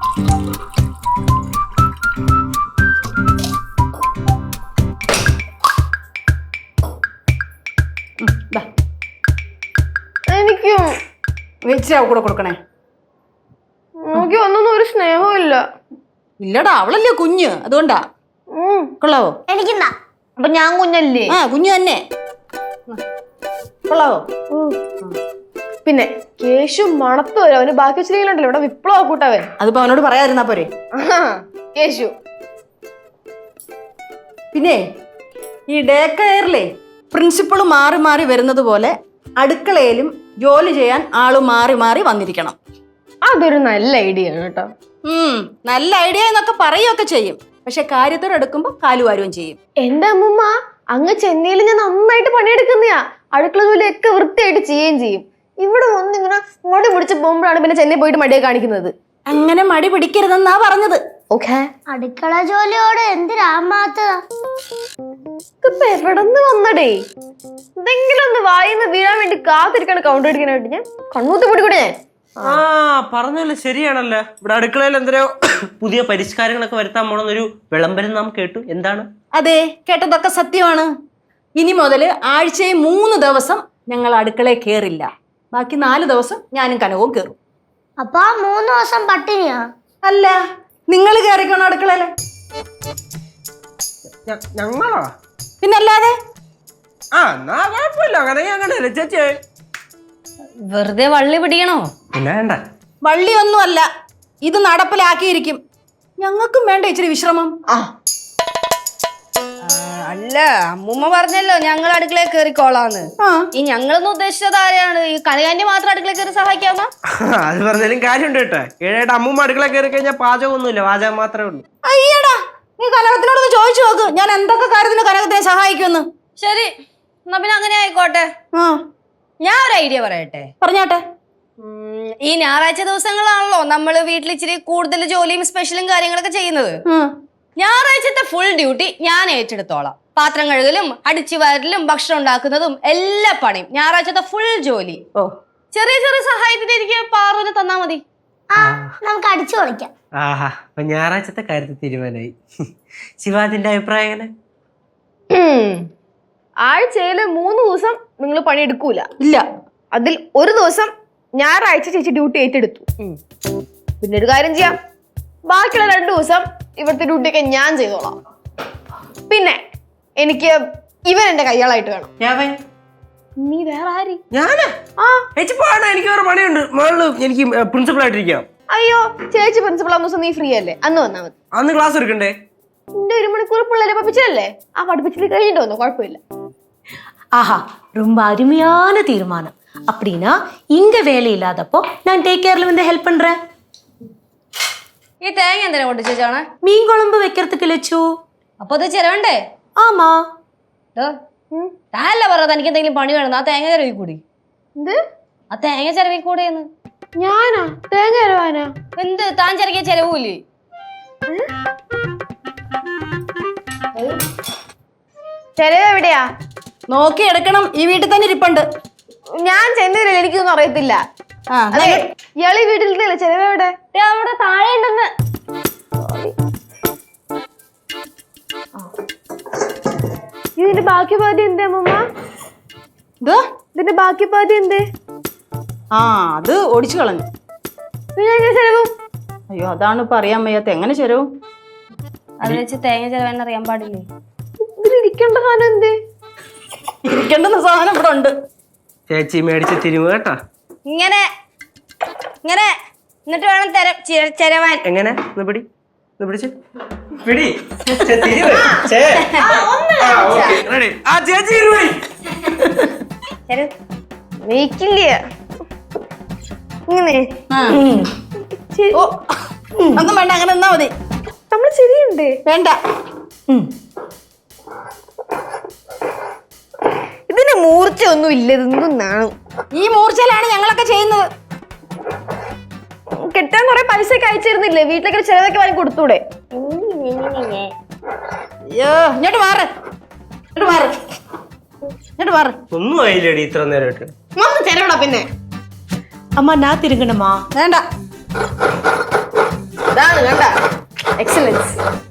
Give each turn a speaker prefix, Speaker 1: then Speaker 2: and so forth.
Speaker 1: എനിക്കും
Speaker 2: കൂടെ കൊടുക്കണേ.
Speaker 1: നോക്കി ഒന്നും ഒരു സ്നേഹവും ഇല്ല.
Speaker 2: ഇല്ലടാ, അവളല്ലേ കുഞ്ഞ്, അതുകൊണ്ടാ. കൊള്ളാവോ?
Speaker 3: എനിക്കെന്താ?
Speaker 1: അപ്പൊ ഞാൻ കുഞ്ഞല്ലേ?
Speaker 2: ആ, കുഞ്ഞു തന്നെ. കൊള്ളാവോ?
Speaker 1: പിന്നെ കേശു മണത്ത് വരും. അവന് ബാക്കി വെച്ചിട്ടുണ്ടല്ലോ ഇവിടെ വിപ്ലവ കൂട്ടവൻ.
Speaker 2: അതിപ്പോ അവനോട് പറയാതിരുന്നാ പോരെ.
Speaker 1: കേശു
Speaker 2: പിന്നെ ഈ ഡേ കെയറിലെ പ്രിൻസിപ്പൾ മാറി മാറി വരുന്നത് പോലെ അടുക്കളയിലും ജോലി ചെയ്യാൻ ആള് മാറി മാറി വന്നിരിക്കണം.
Speaker 1: അതൊരു നല്ല ഐഡിയ ആണ് കേട്ടോ.
Speaker 2: നല്ല ഐഡിയ എന്നൊക്കെ പറയുകയൊക്കെ ചെയ്യും, പക്ഷെ കാര്യത്തോടെ എടുക്കുമ്പോ കാലുവാരുകയും ചെയ്യും.
Speaker 1: എന്റെ അമ്മൂമ്മ അങ്ങ് ചെന്നൈയിൽ ഞാൻ നന്നായിട്ട് പണിയെടുക്കുന്നയാ. അടുക്കള ജോലിയൊക്കെ വൃത്തിയായിട്ട് ചെയ്യുകയും ചെയ്യും. ഇവിടെ വന്നിങ്ങനെ മടി പിടിച്ച് പോകുമ്പോഴാണ് പിന്നെ ചെന്നൈ പോയിട്ട് മടിയെ കാണിക്കുന്നത്.
Speaker 2: അങ്ങനെ മടി പിടിക്കരുതെന്നാ പറഞ്ഞത്.
Speaker 1: ഓക്കെ,
Speaker 3: അടുക്കള ജോലിയോട് എന്തിനാമാത്തതാ?
Speaker 1: ഇതിപ്പോ എവിടെന്ന് വന്നടേ? എന്തെങ്കിലും ഒന്ന് വായിന്ന് വീഴാൻ വേണ്ടി കാത്തിരിക്കാണ് കൗണ്ടർ അടിക്കാനായിട്ട്. ഞാൻ കണ്ണൂത്തി പൊടി കൂടെ.
Speaker 4: ആ പറഞ്ഞല്ലോ, ശരിയാണല്ലോ. ഇവിടെ അടുക്കളയിൽ എന്തോ പുതിയ പരിഷ്കാരങ്ങളൊക്കെ വരുത്താൻ പോണെന്നൊരു വിളംബരം നാം കേട്ടു. എന്താണ്?
Speaker 2: അതെ, കേട്ടതൊക്കെ സത്യമാണ്. ഇനി മുതൽ ആഴ്ചയിൽ 3 ദിവസം ഞങ്ങൾ അടുക്കളയിൽ കയറില്ല. ബാക്കി 4 ദിവസം ഞാനും കനവും കയറും.
Speaker 3: അപ്പൊ 3 ദിവസം പട്ടിണിയാ?
Speaker 2: അല്ല, നിങ്ങൾ കയറിക്കണോ അടുക്കളയില്?
Speaker 4: ഞങ്ങളോ?
Speaker 2: പിന്നല്ലാതെ.
Speaker 4: ആ, എന്നാ കുഴപ്പമില്ല. അങ്ങനെയല്ലേ ചേച്ചി?
Speaker 5: വെറുതെ വള്ളി പിടിക്കണോ?
Speaker 4: പിന്നെ വേണ്ട.
Speaker 2: വള്ളിയൊന്നും അല്ല, ഇത് നടപ്പിലാക്കിയിരിക്കും. ഞങ്ങൾക്കും വേണ്ട ഇച്ചിരി വിശ്രമം.
Speaker 5: അല്ല, അമ്മൂമ്മ പറഞ്ഞല്ലോ ഞങ്ങൾ അടുക്കളയിൽ കയറിക്കോളാന്ന്. ഈ ഞങ്ങളൊന്നും ഉദ്ദേശിച്ചത് ആരെയാണ്? ഈ കനകാന്റി മാത്രം അടുക്കളയിൽ കയറി സഹായിക്കാമോ?
Speaker 4: അത് പറഞ്ഞാലും കാര്യമുണ്ട് കേട്ടോ. ഏഴായിട്ട് അമ്മൂമ്മ അടുക്കള കയറി കഴിഞ്ഞാൽ പാചകമൊന്നുമില്ല, പാചകം മാത്രമേ ഉള്ളൂ.
Speaker 2: അയ്യടാ, നീ കനകത്തിനോടൊന്ന് ചോദിച്ചു നോക്ക്, ഞാൻ എന്തൊക്കെ കാര്യത്തിന് കനകത്തിനെ സഹായിക്കുമെന്ന്.
Speaker 5: ശരി, എന്നാ പിന്നെ അങ്ങനെ ആയിക്കോട്ടെ. ഞാൻ ഒരു ഐഡിയ പറയട്ടെ?
Speaker 2: പറഞ്ഞാട്ടെ.
Speaker 5: ഈ ഞായറാഴ്ച ദിവസങ്ങളാണല്ലോ നമ്മള് വീട്ടിൽ ഇച്ചിരി കൂടുതൽ ജോലിയും സ്പെഷ്യലും കാര്യങ്ങളൊക്കെ ചെയ്യുന്നത്. ഞായറാഴ്ചത്തെ ഫുൾ ഡ്യൂട്ടി ഞാൻ ഏറ്റെടുത്തോളാം. പാത്രം കഴുകലും അടിച്ചു വാരലും ഭക്ഷണം ഉണ്ടാക്കുന്നതും എല്ലാ പണിയും ഞായറാഴ്ചത്തെ ഫുൾ ജോലി. ചെറിയ ചെറിയ സഹായത്തിന് എനിക്ക് പാറുവിനെ തന്നാ മതി.
Speaker 3: നമുക്ക് അടിച്ചു കളിക്കാം.
Speaker 4: ആഹാ, അപ്പൊ ഞായറാഴ്ചത്തെ കാര്യത്തിൽ തീരുമാനമായി. ശിവാജിന്റെ അഭിപ്രായം എങ്ങനെ?
Speaker 1: ആഴ്ചയില് 3 ദിവസം നിങ്ങൾ പണിയെടുക്കൂല.
Speaker 2: ഇല്ല,
Speaker 1: അതിൽ ഒരു ദിവസം ഞായറാഴ്ച ചേച്ചി ഡ്യൂട്ടി ഏറ്റെടുത്തു. പിന്നെ ഒരു കാര്യം ചെയ്യാം, ബാക്കിയുള്ള 2 ദിവസം ഇവിടുത്തെ ഡ്യൂട്ടിയൊക്കെ ഞാൻ ചെയ്തോളാം. പിന്നെ എനിക്ക് ഇവൻ എന്റെ കയ്യാളായിട്ട് വേണം. നീ വേറെ ആര്?
Speaker 4: ഞാനാ? എനിക്ക് വേറെ പണിയുണ്ട്. എനിക്ക് പ്രിൻസിപ്പൾ ആയിട്ടിരിക്കാം.
Speaker 1: അയ്യോ, ചേച്ചി പ്രിൻസിപ്പൾ ആവുന്ന ദിവസം നീ ഫ്രീ അല്ലേ? അന്ന് വന്നാ മതി.
Speaker 4: അന്ന് ക്ലാസ് എടുക്കണ്ടേ?
Speaker 1: എന്റെ 1 മണിക്കൂർ പിള്ളേരെ പഠിപ്പിച്ചല്ലേ? ആ പഠിപ്പിച്ചിട്ട് കഴിഞ്ഞിട്ട് വന്നു, കുഴപ്പമില്ല.
Speaker 6: ஆஹா, ரொம்ப அருமையான தீர்மானம். அப்படின்னா இங்க வேலை இல்லாதப்போ நான் டேக் கேர்ல வந்து ஹெல்ப் பண்றேன்.
Speaker 5: ഈ തേങ്ങ എന്തിനാ കൊണ്ട് ചേച്ചാണ്?
Speaker 6: மீன் குழம்பு வைக்கிறதுக்கு லட்சு.
Speaker 5: അപ്പൊ അത് ചെലവണ്ടേ?
Speaker 6: ஆமா.
Speaker 5: താനല്ല പറഞ്ഞത് എനിക്ക് എന്തെങ്കിലും പണി വേണം, ആ തേങ്ങ ചെലവി കൂടി.
Speaker 1: എന്ത്?
Speaker 5: ആ തേങ്ങ ചെലവി കൂടെയെന്ന്.
Speaker 1: ഞാനാ തേങ്ങ ചെലവാനാ?
Speaker 5: എന്ത് താൻ ചെറിയ ചെലവൂല്ലേ?
Speaker 1: ചെലവ് എവിടെയാ?
Speaker 2: നോക്കി എടുക്കണം. ഈ വീട്ടിൽ തന്നെ ഇരിപ്പുണ്ട്.
Speaker 1: ഞാൻ ചെന്നൈയിലല്ലേ, എനിക്കൊന്നും അറിയത്തില്ല. ഇയാളി വീട്ടിലല്ലേ? ചെലവ് എവിടെ? അവിടെ താഴെ ഉണ്ടെന്ന്. ഇതിന്റെ ബാക്കി പാതി എന്തേ അമ്മൂമ്മ? ഇതിന്റെ ബാക്കി പാതി എന്തേ?
Speaker 2: അത് ഓടിച്ചു കളഞ്ഞു.
Speaker 1: പിന്നെ ചെലവും?
Speaker 2: അയ്യോ, അതാണ് ഇപ്പൊ അറിയാൻ വയ്യാത്ത. എങ്ങനെ ചെലവും?
Speaker 5: അത് വെച്ച് തേങ്ങ ചെലവെന്ന് അറിയാൻ പാടില്ലേ?
Speaker 1: ഇതിലിരിക്കേണ്ട സാധനം എന്തേ?
Speaker 2: ഇരിക്കേണ്ടുന്ന സാധനം ഇവിടെ ഉണ്ട്.
Speaker 4: ചേച്ചി മേടിച്ച് തിരുമു കേട്ടാ.
Speaker 5: ഇങ്ങനെ ഇങ്ങനെ എന്നിട്ട് വേണം ചെലവാൻ. എങ്ങനെ?
Speaker 4: പിടി പിടിച്ച്
Speaker 5: പിടി.
Speaker 1: വെയ്ക്കില്ല ഇങ്ങനെ.
Speaker 2: ഒന്നും വേണ്ട, അങ്ങനെ നിന്നാ മതി.
Speaker 1: നമ്മള് ശരിയുണ്ട്.
Speaker 2: വേണ്ട,
Speaker 1: ഇതിന് മൂർച്ച ഒന്നും ഇല്ല. ഇതൊന്നാണ്.
Speaker 2: ഈ മൂർച്ചയിലാണ് ഞങ്ങളൊക്കെ ചെയ്യുന്നത്.
Speaker 1: കെട്ടാൻ കുറെ പൈസ ഒക്കെ അയച്ചിരുന്നില്ലേ? വീട്ടിലേക്ക് ചെലവൊക്കെ വാങ്ങി കൊടുത്തൂടെ?
Speaker 2: അയ്യോ, ഇങ്ങോട്ട് മാറ്, ഇങ്ങോട്ട് മാറ്, ഇങ്ങോട്ട് മാറ്.
Speaker 4: ഒന്നും ആയില്ലേടി ഇത്ര നേരമായിട്ട്.
Speaker 1: വന്ന് ചെലവടാ. പിന്നെ
Speaker 6: அம்மா நான் திருங்கணுமா?
Speaker 2: വേണ്ട.
Speaker 1: അതാണ് കണ്ട എക്സലൻസ്.